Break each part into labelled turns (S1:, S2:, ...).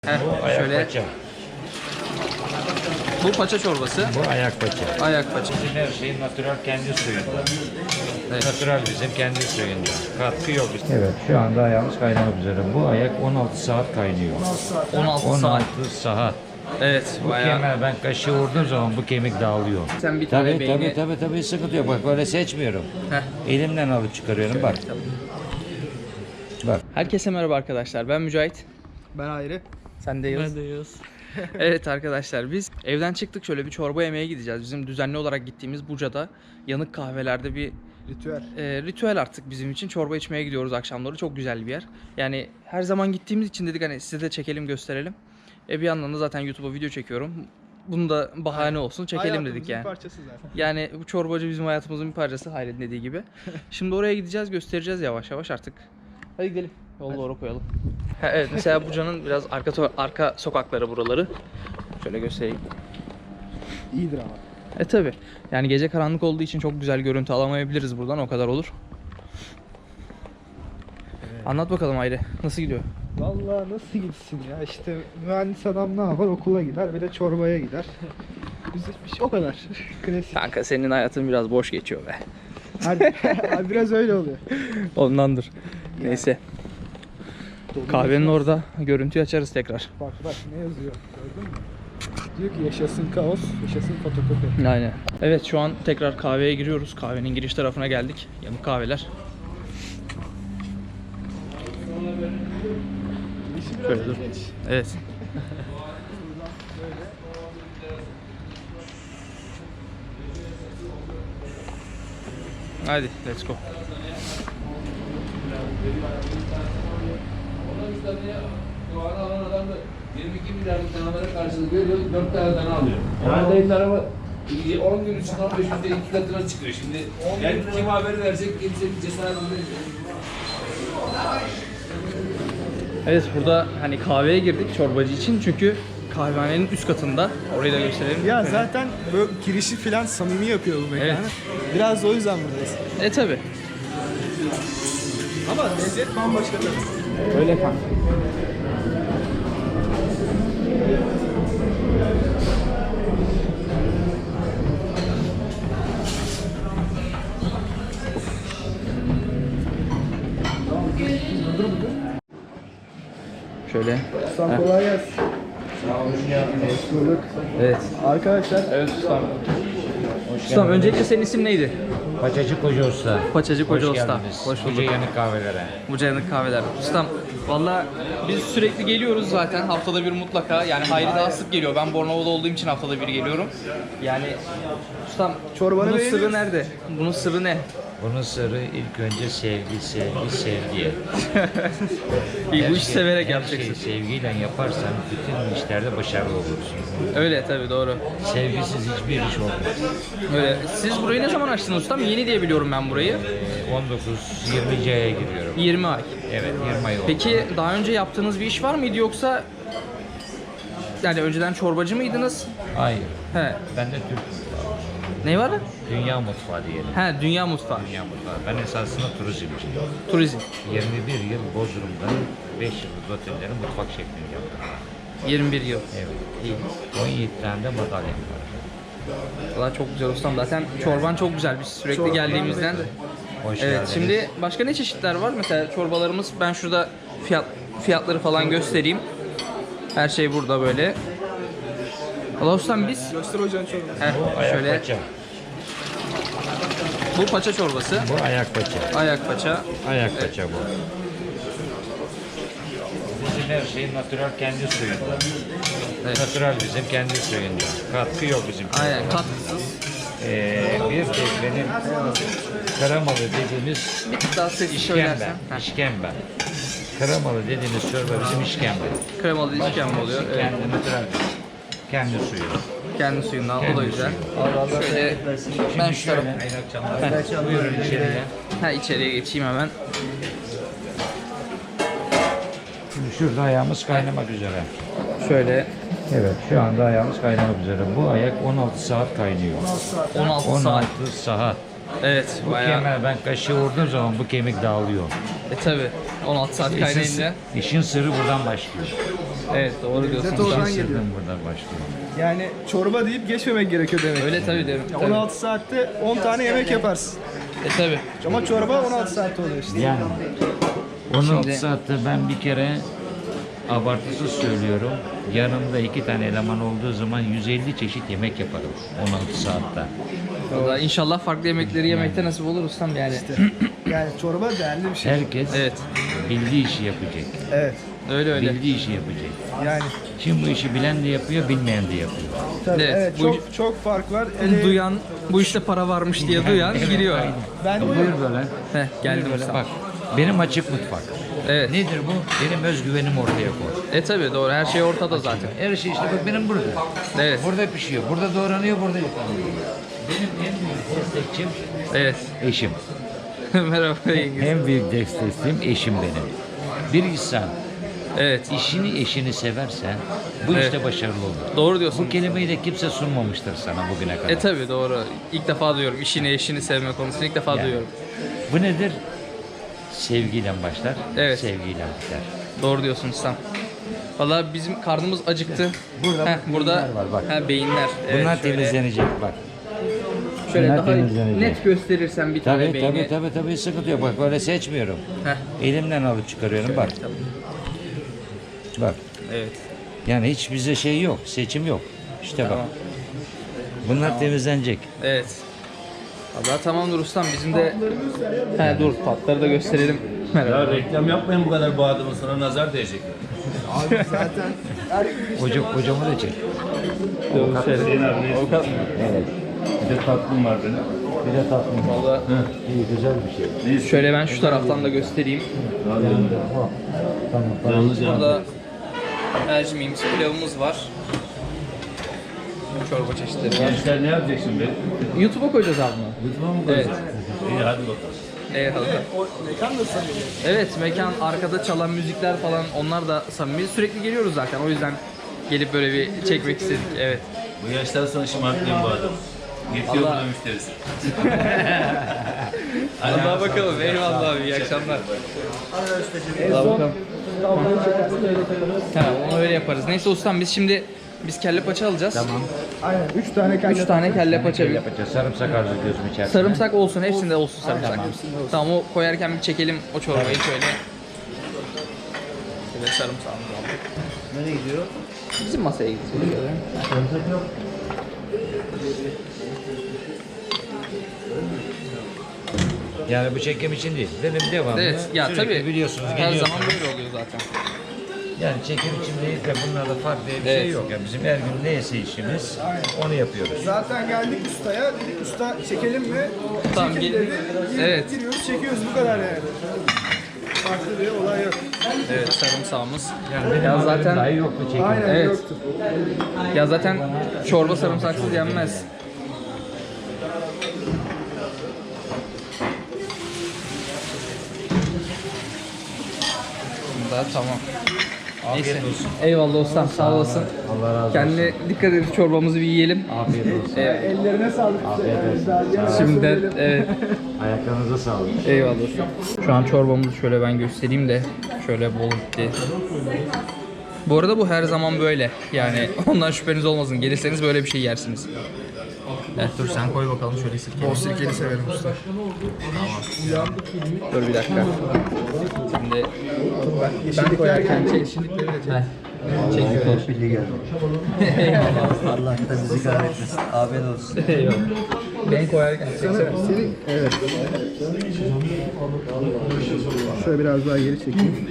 S1: Bu ayak
S2: Şöyle.
S1: paça.
S2: Bu paça çorbası.
S1: Bu ayak paça.
S2: Ayak paça.
S1: Bizim her şey natural kendi suyunda.
S2: Evet.
S1: Natural bizim kendi suyunda. Katkı yok. Evet, şu anda ayağımız kaynamak üzere. Bu ayak 16 saat kaynıyor.
S2: 16 saat.
S1: 16 saat.
S2: Evet,
S1: Bu
S2: bayağı.
S1: kemiğe ben kaşığı vurduğum zaman bu kemik dağılıyor.
S2: Sen bir tane
S1: Tabii
S2: beyni.
S1: tabii sıkıntı yok. Bak böyle seçmiyorum.
S2: Heh.
S1: Elimden alıp çıkarıyorum bak. Bak.
S2: Herkese merhaba arkadaşlar. Ben Mücahit.
S3: Ben ayrı.
S2: Sen de Yağız.
S3: Ben de Yağız.
S2: Evet arkadaşlar, biz evden çıktık, şöyle bir çorba yemeye gideceğiz. Bizim düzenli olarak gittiğimiz Buca'da yanık kahvelerde bir
S3: Ritüel.
S2: ritüel artık bizim için. Çorba içmeye gidiyoruz akşamları. Çok güzel bir yer. Yani her zaman gittiğimiz için dedik hani size de çekelim, gösterelim. Bir yandan da zaten YouTube'a video çekiyorum. Bunu da bahane olsun, çekelim dedik yani.
S3: Bir parçası zaten.
S2: Yani bu çorbacı bizim hayatımızın bir parçası, Hayret'in dediği gibi. Şimdi oraya gideceğiz, göstereceğiz yavaş yavaş artık. Hadi gidelim. Yolu doğru koyalım. Evet, mesela Buca'nın biraz arka sokakları buraları. Şöyle göstereyim.
S3: İyidir ama.
S2: Tabi. Yani gece karanlık olduğu için çok güzel görüntü alamayabiliriz buradan, o kadar olur. Evet. Anlat bakalım Ayre, nasıl gidiyor?
S3: Vallahi nasıl gitsin ya, işte mühendis adam ne yapar, okula gider bir de çorbaya gider. Güzel bir şey, o kadar. Klasik.
S2: Kanka senin hayatın biraz boş geçiyor be.
S3: Hadi biraz öyle oluyor.
S2: Ondandır. Neyse. Kahvenin orada görüntüyü açarız tekrar.
S3: Bak ne yazıyor, gördün mü? Diyor ki yaşasın kaos, yaşasın fotokopi.
S2: Aynen. Evet, şu an tekrar kahveye giriyoruz. Kahvenin giriş tarafına geldik. Yanık kahveler. Şöyle dur. Evet. Hadi let's go.
S4: Doğanı alan adam da 22 milyarlık danalara karşılık veriyor, 4 tane dana alıyor. Yani dayılar ama 10 gün içinde 15 günde 2 katına çıkıyor. Şimdi yani kim haberi versek kimse bir cesaret edemiyor.
S2: Evet, burada hani kahveye girdik çorbacı için, çünkü kahvehanenin üst katında. Orayı da gösterelim.
S3: Ya zaten böyle girişi falan samimi yapıyor bu mekanı.
S2: Evet.
S3: Biraz da o yüzden buradayız.
S2: Tabi.
S3: Ama lezzet bambaşka tabii.
S2: Öyle kanka. Şöyle.
S3: Ustam kolay gelsin. Hoş bulduk.
S2: Evet.
S3: Arkadaşlar.
S2: Evet ustam. Ustam, öncelikle senin isim neydi?
S1: Paçacı Koca Usta.
S2: Paçacı Koca
S1: Hoş
S2: Usta.
S1: geldiniz.
S2: Hoş bulduk.
S1: Koca yanık kahvelere.
S2: Buca yanık kahveler. Ustam, valla biz sürekli geliyoruz zaten, haftada bir mutlaka. Yani Hayri daha sık geliyor. Ben Bornova'da olduğum için haftada bir geliyorum. Yani ustam,
S3: Çorbanı
S2: bunun
S3: beğeniyoruz.
S2: sırrı nerede? Bunun sırrı ne?
S1: Bunun sırrı ilk önce sevgi.
S2: İyi, bu işi
S1: Her
S2: severek
S1: her
S2: yapacaksın.
S1: şeyi sevgiyle yaparsan bütün işlerde başarılı olursun.
S2: Öyle tabii, doğru.
S1: Sevgisiz hiçbir iş olmaz.
S2: Öyle. Siz burayı ne zaman açtınız ustam? Yeni diye biliyorum ben burayı.
S1: 19-20. aya giriyorum.
S2: 20 ay.
S1: Evet, 20 ay oldu.
S2: Peki daha önce yaptığınız bir iş var mıydı, yoksa yani önceden çorbacı mıydınız?
S1: Hayır.
S2: He.
S1: Ben de Türk mutfağı.
S2: Ne var?
S1: Dünya mutfağı diyelim.
S2: He, dünya mutfağı.
S1: Dünya mutfağı. Ben esasında turizmciyim.
S2: Turizm.
S1: 21 yıl Bodrum'da 5 yıldız otellerin mutfak şeklini yaptım.
S2: 21 yıl.
S1: Evet.
S2: İyi.
S1: 17 tane de madalyam var.
S2: Valla çok güzel ustam. Zaten çorban çok güzel. Biz sürekli
S3: Çorban
S2: geldiğimizden.
S1: Hoş
S2: Evet.
S1: geldiniz.
S2: Şimdi başka ne çeşitler var? Mesela çorbalarımız, ben şurada fiyatları falan göstereyim. Her şey burada böyle. Valla ustam biz
S3: Göster hocanın çorbası.
S1: Bu ayak
S2: şöyle,
S1: paça.
S2: bu paça çorbası.
S1: Bu ayak paça.
S2: Ayak paça.
S1: Ayak paça bu. Bizim her şey natural kendi suyunda.
S2: Evet.
S1: Natural bizim kendi suyunda. Katkı yok bizim.
S2: Aynen, katkısız.
S1: Bir de benim karamalı dediğimiz
S2: Bir tık daha ses
S1: işkembe.
S2: söylersen. Heh.
S1: İşkembe. Karamalı dediğimiz çorba bizim işkembe.
S2: Kremalı işkembe oluyor. Evet.
S1: Kendi natural. Kendi suyu.
S2: Kendi suyundan. O da
S1: Kendi
S2: güzel.
S1: suyu.
S2: Şöyle ben şu tarafa.
S1: Hayırlı akşamlar. Buyurun içeriye.
S2: İçeriye geçeyim hemen.
S1: Şimdi şurada ayağımız kaynamak üzere.
S2: Şöyle
S1: Evet, şu anda ayağımız kaynamak üzere. Bu ayak 16 saat kaynıyor.
S2: 16 saat.
S1: 16 saat.
S2: Evet,
S1: Bu
S2: bayağı.
S1: kemiğe ben kaşığı vurduğum zaman bu kemik dağılıyor.
S2: Tabi 16 saat kaynayınca.
S1: İşin sırrı buradan başlıyor.
S2: Evet doğru diyorsun.
S3: Lezzet oradan
S1: İşin
S3: geliyor.
S1: sırrı buradan başlıyor.
S3: Yani çorba deyip geçmemek gerekiyor demek.
S2: Öyle tabi derim.
S3: Ya 16 saatte 10 tane yemek yaparsın.
S2: Tabi.
S3: Ama çorba 16 saat oluyor işte.
S1: Yani 16
S2: Şimdi-
S1: saatte ben bir kere abartısız söylüyorum. Yanımda 2 tane eleman olduğu zaman 150 çeşit yemek yaparım 16 saatte.
S2: O da inşallah farklı yemekleri yemekte nasip olur ustam yani.
S3: Yani çorba değerli bir şey.
S1: Herkes
S2: Evet.
S1: bildiği işi yapacak.
S3: Evet.
S2: Öyle öyle.
S1: Bildiği işi yapacak.
S3: Yani
S1: Şimdi bu işi bilen de yapıyor, bilmeyen de yapıyor.
S3: tabii
S2: Evet,
S3: evet,
S2: bu-
S3: çok fark var. Ele,
S2: Duyan, bu işte para varmış diye duyan giriyor.
S3: ben
S1: Buyur böyle.
S2: Geldim
S1: Böyle
S2: ustam.
S1: bak. Benim açık mutfak.
S2: Evet.
S1: Nedir bu? Benim özgüvenim ortaya koy.
S2: Tabi doğru, her şey ortada zaten.
S1: Her şey işte bak benim burada.
S2: Evet.
S1: Burada pişiyor, burada doğranıyor, burada yıkanıyor. Benim en büyük destekçim
S2: Evet.
S1: eşim.
S2: Merhaba yenge.
S1: En büyük destekçim eşim benim. Bir insan
S2: Evet.
S1: işini eşini severse bu
S2: Evet.
S1: işte başarılı olur.
S2: Doğru diyorsun.
S1: Bu kelimeyi de kimse sunmamıştır sana bugüne kadar.
S2: Tabi doğru. İlk defa duyuyorum. İşini eşini sevme konusunu ilk defa
S1: Yani.
S2: duyuyorum.
S1: Bu nedir? Sevgiyle başlar,
S2: Evet.
S1: sevgiyle biter.
S2: Doğru diyorsun ustam. Valla bizim karnımız acıktı.
S1: Burada bak,
S2: burada
S1: beyinler var, bak.
S2: Beyinler. Evet,
S1: Bunlar
S2: şöyle-
S1: temizlenecek bak.
S2: Şöyle
S1: bunlar
S2: daha
S1: temizlenecek.
S2: net gösterirsen bir tane
S1: Tabii
S2: beyni.
S1: tabii sıkıntı yok. Bak böyle seçmiyorum.
S2: Heh.
S1: Elimden alıp çıkarıyorum bak. Bak.
S2: Evet.
S1: Yani hiç bize şey yok, seçim yok. İşte
S2: Tamam.
S1: bak. Bunlar temizlenecek.
S2: Evet. Valla tamamdır ustam, bizim de... dur tatları da gösterelim. Merhaba.
S4: Ya reklam yapmayın bu kadar bu adamın, sana nazar değecek.
S3: abi zaten her gün
S1: Hocamı da çek.
S2: Avukat mı?
S1: Evet.
S4: Bir de tatlım var benim.
S1: Bir de tatlım.
S2: Valla
S1: İyi, güzel bir şey.
S2: şöyle ben şu taraftan da göstereyim.
S1: Tamam.
S2: Burada mercimeğimiz, pilavımız var. Çorba çeşitleri var.
S4: Gençler ne yapacak şimdi?
S2: YouTube'a koyacağız abi bunu.
S4: YouTube'a mı
S2: Evet.
S4: koyacağız? İyi hadi bakalım.
S2: Eyvallah.
S3: mekan da samimi.
S2: Evet, mekan, arkada çalan müzikler falan, onlar da samimi. Sürekli geliyoruz zaten, o yüzden gelip böyle bir çekmek istedik. Evet.
S4: Bu yaştan sonra şımartmayın bu adamı. Yetiyor
S2: Allah.
S4: burada müşterisi.
S2: Allah'a bakalım. Eyvallah abi, iyi akşamlar. Allah'a bakalım. Tamam, onu öyle yaparız. Neyse ustam, biz kelle paça alacağız.
S1: Tamam.
S3: Aynen 3 tane kelle.
S2: 3 tane kelle paça.
S1: Yapacağız. Sarımsak arzu ediyorsun içerisine.
S2: Sarımsak olsun, hepsinde olsun sarımsak. Tamam, o koyarken bir çekelim o çorbayı şöyle. Evet, sarımsağımızı aldık.
S3: Nereye gidiyor?
S2: Bizim masaya gidiyor.
S1: Yani bu çekim için değil. Benim devamlı.
S2: Evet, ya
S1: sürekli
S2: tabii.
S1: biliyorsunuz
S2: Her
S1: geliyorsunuz.
S2: zaman böyle oluyor zaten.
S1: Yani çekim için değil de bunlarda farklı bir
S2: Evet.
S1: şey yok. Yani bizim her gün neyse işimiz onu yapıyoruz.
S3: Zaten geldik ustaya, dedik usta çekelim mi?
S2: Tamam,
S3: Çekin
S2: gel-
S3: dedi.
S2: Evet.
S3: Giriyoruz, çekiyoruz, bu kadar yani. Farklı bir olay yok.
S2: Evet, sarımsağımız.
S1: Yani benim
S2: Ya
S1: haberim
S2: zaten-
S1: dahi yoktu çekim.
S3: Aynen
S2: Evet.
S3: yoktu.
S2: Ya zaten çorba sarımsaksız yenmez. Bunda tamam. Neyse. Eyvallah ustam, sağ olasın.
S1: Allah razı olsun.
S2: Kendine dikkat et, çorbamızı bir yiyelim.
S1: Afiyet olsun.
S3: Ellerine sağlık.
S2: Şimdiden evet.
S1: Ayaklarınıza sağlık.
S2: Eyvallah ustam. Şu an çorbamızı şöyle ben göstereyim de şöyle bol gitti. Bu arada bu her zaman böyle. Yani ondan şüpheniz olmasın. Gelirseniz böyle bir şey yersiniz. Evet, dur sen koy bakalım şöyle sirke.
S3: Bol sirkeli severim usta.
S2: Dur bir dakika. Şimdi ben koyarken çek. Heh. Çekiyorum.
S5: Pilli geldi.
S2: Eyvallah.
S5: Allah da bizi kahretmesin. Afiyet olsun.
S2: Eyvallah. Ben koyarken çeksene.
S3: Senin, evet. Şöyle biraz daha geri çekeyim.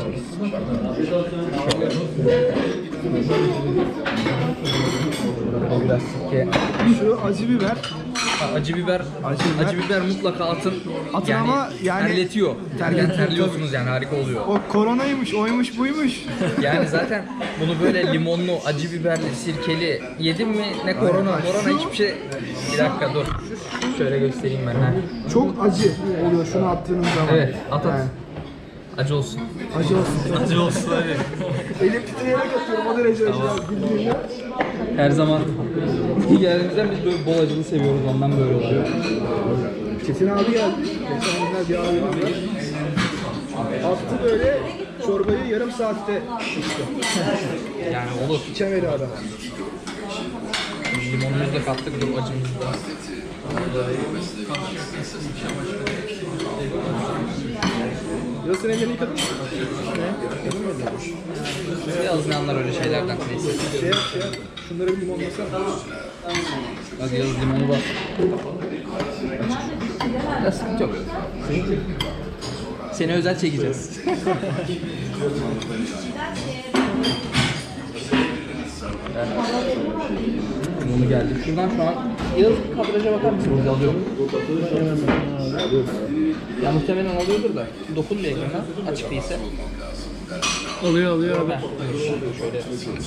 S2: Biraz sirke.
S3: Şu acı biber.
S2: Acı biber, acı biber mutlaka atın.
S3: Atın ama yani-
S2: terletiyor.
S3: Terletiyor,
S2: Terliyorsunuz yani, harika oluyor.
S3: O koronaymış, oymuş, buymuş.
S2: Yani zaten bunu böyle limonlu, acı biberli, sirkeli yedim mi ne korona hiçbir şey. Bir dakika dur. Şöyle göstereyim ben. Ha.
S3: Çok acı oluyor şunu attığınız zaman.
S2: Evet, at.
S3: Yani,
S2: Acı olsun.
S3: acı olsun.
S2: Acı olsun hadi.
S3: Elim titreyerek atıyorum o derece acı. Bildiğinle.
S2: Her zaman geldiğimizden biz böyle bol acılı seviyoruz, ondan böyle oluyor.
S3: Çetin abi geldi. Geçen günler bir abimiz var. Attı böyle çorbayı yarım saatte
S2: Yani olur.
S3: içemedi adam.
S2: Limonumuzu da kattık, dur acımızı da.
S3: Yasın ellerini yıkadın mı?
S2: Yazmayanlar öyle şeylerden neyse.
S3: Şey yap. Şunları bir limonlasana.
S2: Hadi yaz limonu bas. Ya sıkıntı yok. Seni özel çekeceğiz. Limonu geldi. Şuradan şu an Yaz kadraja bakar mısınız? Alıyorum. Ya muhtemelen alıyordur da. Dokun bir ekrana. Açık değilse.
S3: Alıyor abi.
S2: Şöyle.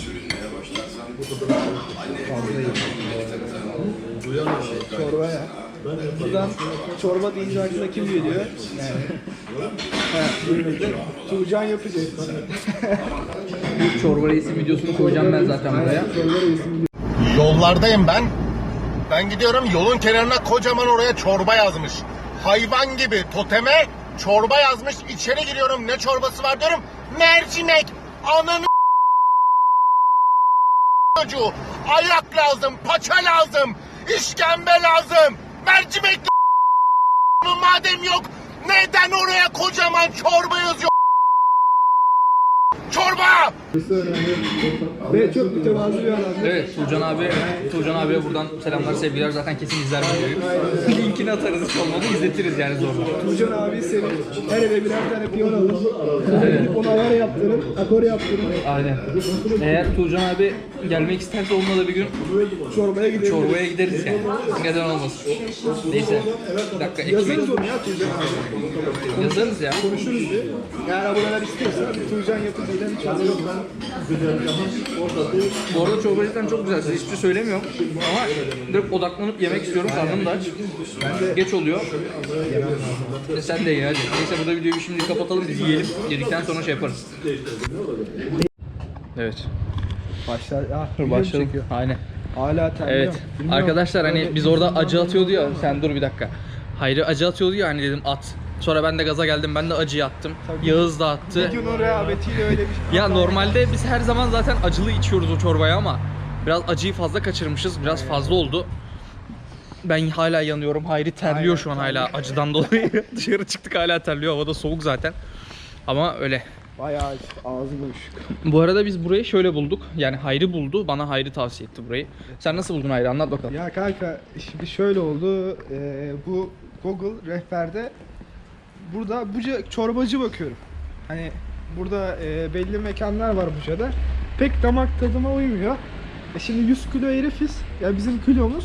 S3: Çorba ya. Buradan çorba deyince aklına kim geliyor? Yani. Tuğcan yapacak.
S2: Çorba reisi videosunu koyacağım ben zaten buraya.
S6: Yollardayım ben. Ben gidiyorum, yolun kenarına kocaman oraya çorba yazmış. Hayvan gibi toteme çorba yazmış. İçeri giriyorum, ne çorbası var diyorum. Mercimek. Ananı çocuğu. Ayak lazım, paça lazım, işkembe lazım. Mercimek madem yok, neden oraya kocaman çorba yazıyor? Çorba!
S3: Ve çok mütevazı bir adam.
S2: Evet, Tuğcan abiye buradan selamlar, sevgiler. Zaten kesin izler videoyu. Linkini atarız, hiç olmadı izletiriz yani zorla.
S3: Tuğcan abi senin her eve birer tane piyon alır. Gidip ona ayar yaptırır, akor yaptırır.
S2: Aynen. Eğer Tuğcan abi gelmek isterse onunla da bir gün
S3: Çorbaya gideriz.
S2: çorbaya gideriz yani. Neden olmasın. Neyse. Bir dakika, ekmek.
S3: Yazarız onu ya Tuğcan abi.
S2: Yazarız ya.
S3: Konuşuruz bir. Eğer aboneler istiyorsa Tuğcan yapıcıyla bir çorba yok.
S2: Bu arada çorba cidden çok güzel. Size hiçbir şey söylemiyorum. Ama direkt odaklanıp yemek istiyorum. Karnım da aç. Geç oluyor. Sen de ye hadi. Neyse burada videoyu şimdi kapatalım. Biz yiyelim. Yedikten sonra şey yaparız. Evet.
S3: Başlar.
S2: Dur başlayalım. Aynen.
S3: Hala terliyor.
S2: Evet. Arkadaşlar hani biz orada acı atıyordu ya. Sen dur bir dakika. Hayri acı atıyordu ya hani dedim at. Sonra ben de gaza geldim. Ben de acıyı attım. Yağız da attı.
S3: Videonun rehavetiyle öyle bir şey.
S2: Ya normalde biz her zaman zaten acılı içiyoruz o çorbayı ama biraz acıyı fazla kaçırmışız. Biraz fazla oldu. Ben hala yanıyorum. Hayri terliyor şu an hala acıdan dolayı. Dışarı çıktık hala terliyor. Havada soğuk zaten. Ama öyle.
S3: Bayağı ağzı boşluk.
S2: Bu arada biz burayı şöyle bulduk. Yani Hayri buldu. Bana Hayri tavsiye etti burayı. Sen nasıl buldun Hayri? Anlat bakalım.
S3: Ya kanka şimdi şöyle oldu. Bu Google rehberde burada Buca çorbacı bakıyorum. Hani burada belli mekanlar var Buca'da. Pek damak tadıma uymuyor. Şimdi 100 kilo herifiz. Ya bizim kilomuz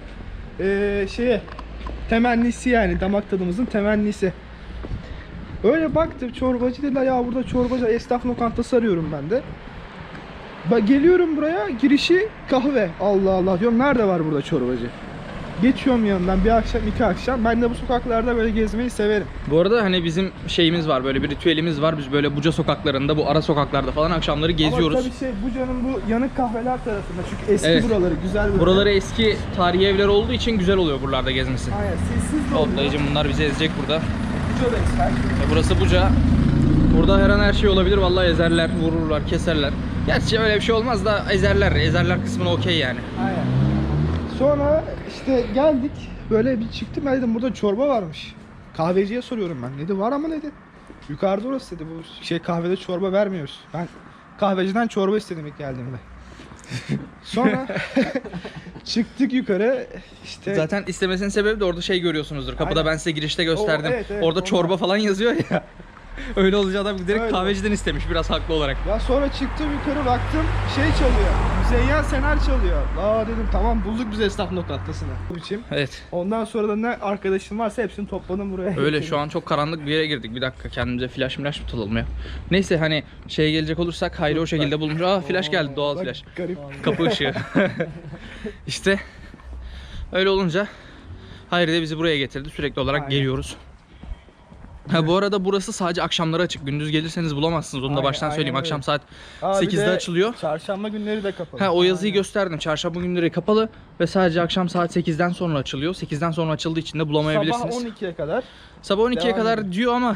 S3: temennisi yani damak tadımızın temennisi. Öyle baktım çorbacı dediler ya burada çorbacı esnaf lokantası arıyorum ben de. Geliyorum buraya girişi kahve. Allah Allah diyorum nerede var burada çorbacı? Geçiyorum yanından bir akşam iki akşam. Ben de bu sokaklarda böyle gezmeyi severim.
S2: Bu arada hani bizim şeyimiz var, böyle bir ritüelimiz var. Biz böyle Buca sokaklarında, bu ara sokaklarda falan akşamları geziyoruz.
S3: Ama tabii Buca'nın bu yanık kahveler tarafında. Çünkü eski
S2: Evet.
S3: buraları güzel böyle.
S2: Buraları eski tarihi evler olduğu için güzel oluyor buralarda gezmesi.
S3: Aynen sessiz de oluyor.
S2: Otlayıcım bunlar bizi ezecek burada.
S3: Buca'dayız her şey.
S2: Burası Buca. Burada her an her şey olabilir. Vallahi ezerler, vururlar, keserler. Gerçi öyle bir şey olmaz da ezerler. Ezerler kısmına okey yani.
S3: Aynen. Sonra işte geldik. Böyle bir çıktım ben dedim burada çorba varmış. Kahveciye soruyorum ben. Dedi var ama dedi. Yukarıda orası dedi. Bu kahvede çorba vermiyoruz. Ben kahveciden çorba istedim ilk geldiğimde. Sonra çıktık yukarı. İşte
S2: Zaten istemesinin sebebi de orada şey görüyorsunuzdur. Kapıda
S3: Aynen.
S2: ben size girişte gösterdim.
S3: Evet,
S2: Orada
S3: ondan.
S2: çorba falan yazıyor ya. Öyle olunca adam direkt
S3: Öyle.
S2: kahveciden istemiş biraz haklı olarak.
S3: ya sonra çıktım yukarı baktım şey çalıyor. Müzeyyen Senar çalıyor. Aa dedim tamam bulduk biz esnaf lokantasını. Bu biçim.
S2: Evet.
S3: Ondan sonra da ne arkadaşım varsa hepsini topladım buraya.
S2: Öyle şu an çok karanlık bir yere girdik. Bir dakika kendimize flash mı tutalım ya. Neyse hani şeye gelecek olursak Hayri o şekilde bulmuş. Aa flash geldi, doğal
S3: Bak,
S2: flash.
S3: Garip.
S2: Kapı ışığı. İşte öyle olunca Hayri de bizi buraya getirdi. Sürekli olarak
S3: Aynen.
S2: geliyoruz. Ha bu arada burası sadece akşamları açık. Gündüz gelirseniz bulamazsınız. Onu da
S3: Aynen,
S2: baştan söyleyeyim.
S3: aynen
S2: Akşam
S3: öyle.
S2: saat
S3: Aa, bir
S2: 8'de
S3: de
S2: açılıyor.
S3: Çarşamba günleri de kapalı.
S2: Ha o yazıyı
S3: Aynen.
S2: gösterdim. Çarşamba günleri kapalı ve sadece akşam saat 8'den sonra açılıyor. 8'den sonra açıldığı için de bulamayabilirsiniz.
S3: Sabah 12'ye kadar.
S2: Sabah 12'ye
S3: Devam
S2: kadar
S3: ediyor.
S2: diyor ama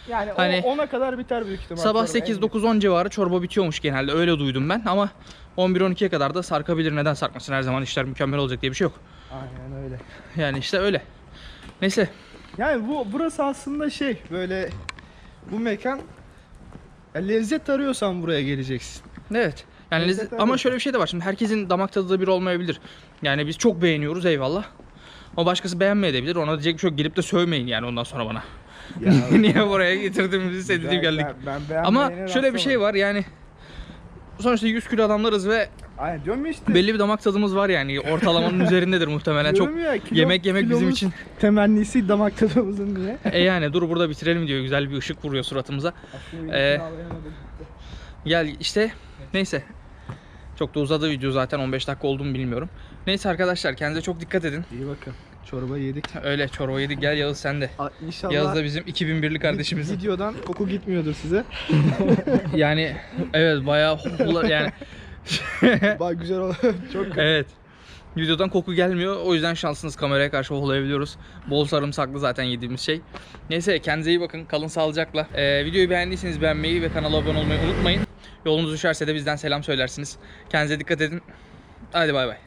S3: Yani
S2: Hani
S3: 10'a kadar biter büyük ihtimal.
S2: sabah
S3: çorba.
S2: 8-9-10 civarı çorba bitiyormuş genelde. Öyle duydum ben ama 11-12'ye kadar da sarkabilir. Neden sarkmasın? Her zaman işler mükemmel olacak diye bir şey yok.
S3: Aynen öyle.
S2: Yani işte öyle. Neyse.
S3: Yani burası aslında böyle bu mekan lezzet arıyorsan buraya geleceksin.
S2: Evet. Yani
S3: Lezzet
S2: ama
S3: arıyorsun.
S2: şöyle bir şey de var. Şimdi herkesin damak tadı da bir olmayabilir. Yani biz çok beğeniyoruz, eyvallah. Ama başkası beğenmeyebilir. Ona diyecek bir şey yok. Gelip de sövmeyin yani ondan sonra bana.
S3: Ya,
S2: Niye buraya getirdiğimizi sevdiğim geldik.
S3: Ben
S2: Ama şöyle bir şey var yani. Sonuçta 100 kilo adamlarız ve
S3: Aynen diyorum ya işte.
S2: belli bir damak tadımız var yani. Ortalamanın üzerindedir muhtemelen. Çok
S3: Diyorum ya,
S2: yemek bizim
S3: kilomuz
S2: için.
S3: temennisi damak tadımızın diye.
S2: Yani dur burada bitirelim diyor. Güzel bir ışık vuruyor suratımıza. Gel işte. Neyse. Çok da uzadı video zaten. 15 dakika oldu mu bilmiyorum. Neyse arkadaşlar kendinize çok dikkat edin.
S3: İyi bakın. Çorba yedik.
S2: Öyle çorba yedik. Gel Yağız sen de.
S3: İnşallah
S2: Yağız da bizim 2001'li kardeşimiz.
S3: videodan koku gitmiyordur size.
S2: Yani evet bayağı yani
S3: Bak güzel oldu. Çok
S2: evet. Videodan koku gelmiyor. O yüzden şanslısınız, kameraya karşı hohlayabiliyoruz. Bol sarımsaklı zaten yediğimiz şey. Neyse kendinize iyi bakın. Kalın sağlıcakla. Videoyu beğendiyseniz beğenmeyi ve kanala abone olmayı unutmayın. Yolunuz düşerse de bizden selam söylersiniz. Kendinize dikkat edin. Hadi bay bay.